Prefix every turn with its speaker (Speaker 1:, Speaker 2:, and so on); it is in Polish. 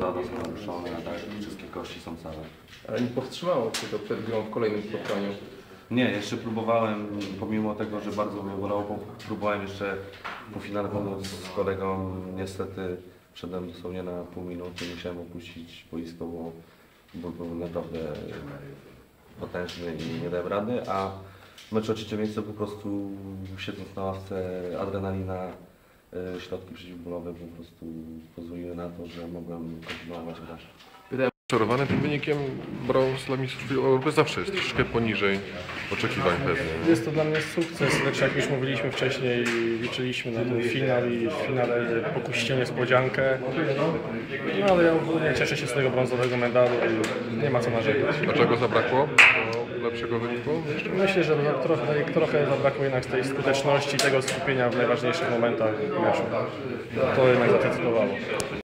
Speaker 1: zadas naruszony, a tak wszystkie kości są całe.
Speaker 2: Ale nie powstrzymało Cię to przed grą w kolejnym spotkaniu?
Speaker 1: Nie, jeszcze próbowałem, pomimo tego, że bardzo mnie bolało, próbowałem jeszcze po finale pomóc z kolegą. Niestety wszedłem dosłownie na pół minuty, musiałem opuścić boisko, bo ból był naprawdę potężny i nie dałem rady, a w meczu o trzecie miejsce po prostu siedząc na ławce adrenalina, środki przeciwbólowe po prostu pozwoliły na to, że mogłem kontynuować grać.
Speaker 3: Czarowany tym wynikiem brąz dla mistrzów Europy zawsze jest troszkę poniżej oczekiwań pewnie.
Speaker 4: Jest to dla mnie sukces, lecz jak już mówiliśmy wcześniej, liczyliśmy na ten finał i w finale pokusicie niespodziankę. No ale ja ogólnie cieszę się z tego brązowego medalu i nie ma co narzekać.
Speaker 3: A czego zabrakło do lepszego wyniku?
Speaker 4: Myślę, że trochę zabrakło jednak tej skuteczności, tego skupienia w najważniejszych momentach meczu. To jednak zadecydowało.